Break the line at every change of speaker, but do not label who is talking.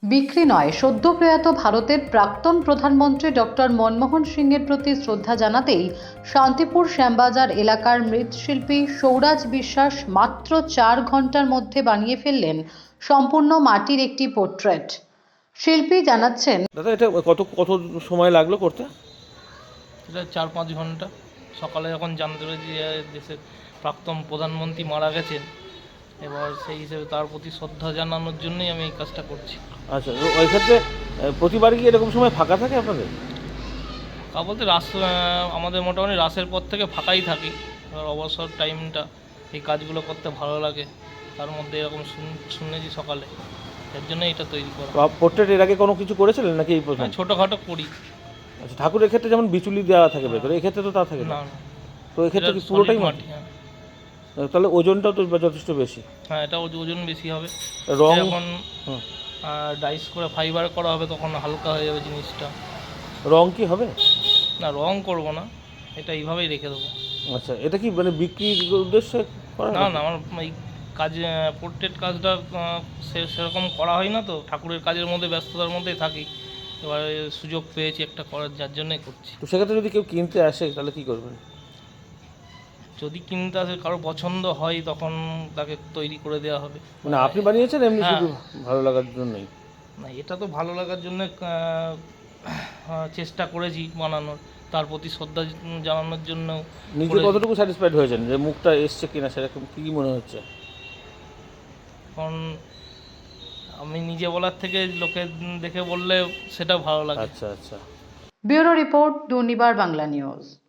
বিক্রি নয়, সদ্য প্রয়াত ভারতের প্রাক্তন প্রধানমন্ত্রী ডক্টর মনমোহন সিংয়ের প্রতি শ্রদ্ধা জানাতেই শান্তিপুর শ্যামবাজার এলাকার মৃৎশিল্পী সৌরাজ বিশ্বাস মাত্র 4 ঘন্টার মধ্যে বানিয়ে ফেললেন সম্পূর্ণ মাটির একটি পোর্ট্রেট। শিল্পী জানাচ্ছেন,
দাদা এটা কত কত সময় লাগলো করতে?
এটা 4-5 ঘন্টা। সকালে যখন জানতে পেরেছি যে দেশের প্রাক্তন প্রধানমন্ত্রী মারা গেছেন, এবার সেই হিসেবে তার প্রতি শ্রদ্ধা জানানোর জন্যই আমি এই কাজটা করছি।
আচ্ছা, ওই ক্ষেত্রে প্রতিবারই কি এরকম সময় ফাঁকা থাকে আপনাদের?
তা বলতে আমাদের মোটামুটি রাসের পর থেকে ফাঁকাই থাকি। এবার অবসর টাইমটা এই কাজগুলো করতে ভালো লাগে, তার মধ্যে এরকম শুনেছি সকালে, এর জন্য এটা তৈরি করা।
পোর্ট্রেট এর আগে কোনো কিছু করেছিলেন নাকি এই প্রথম?
ছোটোখাটো করি।
আচ্ছা, ঠাকুরের ক্ষেত্রে যেমন বিচুলি দেওয়া থাকে ভেতরে, এক্ষেত্রে তো তা থাকে না।
না না,
তো এক্ষেত্রে কি পুরোটাই মাটি?
হ্যাঁ।
তাহলে ওজনটাও তো যথেষ্ট বেশি।
হ্যাঁ, এটা ওজন বেশি হবে।
রং
যখন ডাইস করে ফাইবার করা হবে তখন হালকা হয়ে যাবে জিনিসটা।
রং কি হবে?
না, রং করব না, এটা এইভাবেই রেখে দেবো।
আচ্ছা, এটা কি মানে বিক্রির উদ্দেশ্যে করা?
না না, আমার এই কাজ পোর্ট্রেট কাজটা সেরকম করা হয় না, তো ঠাকুরের কাজের মধ্যে ব্যস্ততার মধ্যেই থাকি। এবারে সুযোগ পেয়েছি একটা করার, যার জন্যই করছি।
তো সেক্ষেত্রে যদি কেউ কিনতে আসে তাহলে কি করবেন?
যদি কিনতে আসে, কারো পছন্দ হয়, তখন তাকে তৈরি করে দেওয়া হবে।
মানে আপনি বানিয়েছেন এমনি
হ্যাঁ।
শুধু ভালো লাগার জন্যই?
না, এটা তো ভালো লাগার জন্য চেষ্টা করেছি বানানোর, তার প্রতি শ্রদ্ধা জানানোর জন্য।
নিজে কতটুকু স্যাটিসফাইড হয়েছেন যে মুখটা এসছে কিনা, সেরকম কি মনে হচ্ছে?
কারণ আমি নিজে বলার থেকে লোকে দেখে বললে সেটা ভালো লাগে।
আচ্ছা আচ্ছা।
Bureau report, Durnibar Bangla news.